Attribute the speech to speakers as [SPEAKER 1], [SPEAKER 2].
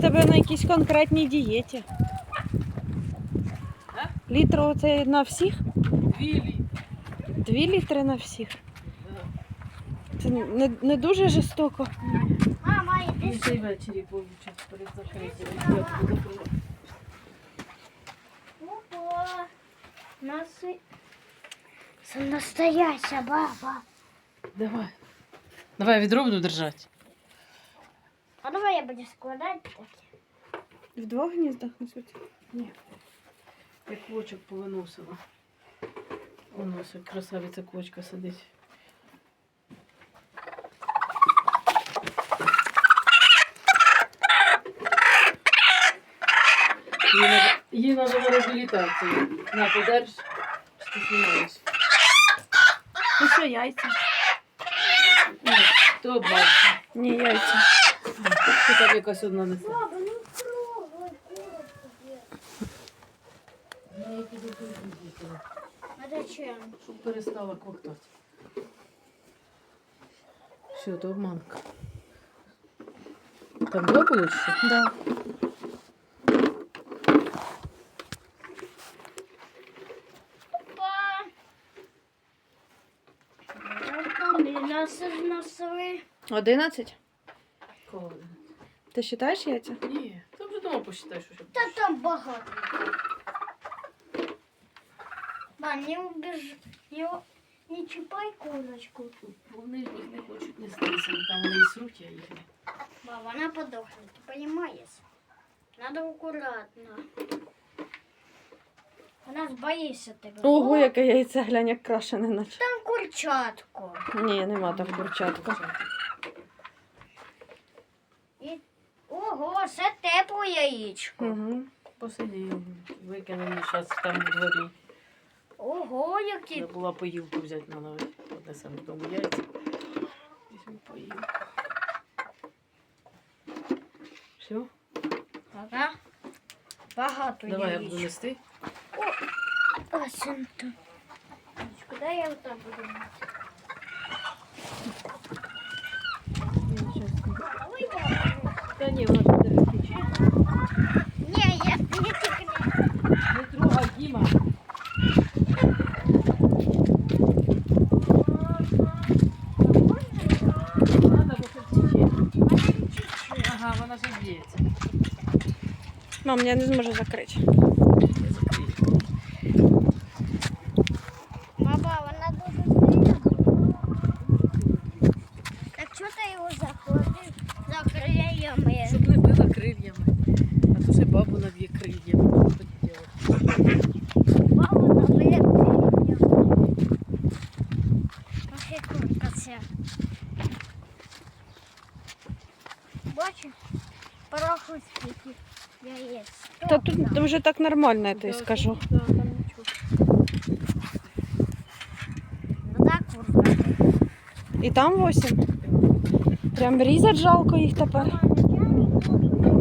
[SPEAKER 1] тебе на якійсь конкретній дієті. Літр оце на всіх?
[SPEAKER 2] 2 літри.
[SPEAKER 1] 2 літри на всіх? Це не дуже жорстоко.
[SPEAKER 3] Мама,
[SPEAKER 2] І
[SPEAKER 3] іди
[SPEAKER 2] цей ввечері получать перед закриттям. Я буду закривати.
[SPEAKER 3] Опа. Це настояща баба.
[SPEAKER 2] Давай. Давай, відро буду держати.
[SPEAKER 3] А давай я буду складати таке.
[SPEAKER 1] В 2 гніздах несуть?
[SPEAKER 2] Ні. Я квочок повиносила. Воно ось красавиця квочка сидить. Їй треба на реабілітацію. На, подерж, що ти знімаєш.
[SPEAKER 1] Ну що, яйця?
[SPEAKER 2] Ні, то обманка.
[SPEAKER 1] Ні, яйця.
[SPEAKER 2] Ти там якась одна несе.
[SPEAKER 3] Баба, ну трогай курочку.
[SPEAKER 2] Ну, я піду поїду.
[SPEAKER 3] А зачем?
[SPEAKER 2] Щоб перестала коктати. Все, то обманка. Там 2 було чи що?
[SPEAKER 1] Да.
[SPEAKER 3] Опа. Нас зносили.
[SPEAKER 1] 11?
[SPEAKER 2] Коли?
[SPEAKER 1] Ти вважаєш яйця?
[SPEAKER 2] Ні, ти вже дома посчитай, що ще.
[SPEAKER 3] Та там багато. Ба, не убіж. Не чіпай курочку.
[SPEAKER 2] Вони ж їх не хочуть нестися, там вони і сруть, а їх не.
[SPEAKER 3] Ба, вона подохне, ти розумієш? Надо акуратно. Вона ж боїться тебе.
[SPEAKER 1] Ого, яке яйце, глянь, як крашене наче.
[SPEAKER 3] Там курчатко.
[SPEAKER 1] Ні, нема там курчатка.
[SPEAKER 3] І... Ого, це тепле яєчко.
[SPEAKER 1] Угу.
[SPEAKER 2] Посидів, викинули зараз там у дворі.
[SPEAKER 3] Ого, які.
[SPEAKER 2] Треба була поїлку взяти на новий. Однесемо додому яйця. Візьму поїлку. Все?
[SPEAKER 3] Ага. Багато
[SPEAKER 2] Давай я
[SPEAKER 3] яєчок.
[SPEAKER 2] буду нести.
[SPEAKER 3] А, синто. Куди я отак буду мати? Ой, бабу.
[SPEAKER 2] Та ні, вона буде тече.
[SPEAKER 3] Ні, я не тільки не.
[SPEAKER 2] Не трогай, Діма. Надо, бо це тече. Ага, вона ж б'ється.
[SPEAKER 1] Мам, я не зможу закрити.
[SPEAKER 2] Я закрию.
[SPEAKER 3] Баба, вона дуже сильна. Так чого ти його заходив? Закриємо.
[SPEAKER 2] Щоб не била крильями. А то ще бабу наб'є крильями. Що ти робиш?
[SPEAKER 3] Бабу набили крильями. Ось і курка ця. Бачиш? Порахуй скільки яєць.
[SPEAKER 1] Та тут вже так нормально, я тобі скажу.
[SPEAKER 2] Да, там нічого.
[SPEAKER 3] Ну так, курка.
[SPEAKER 1] І там 8. Прям різать жалко їх тепер.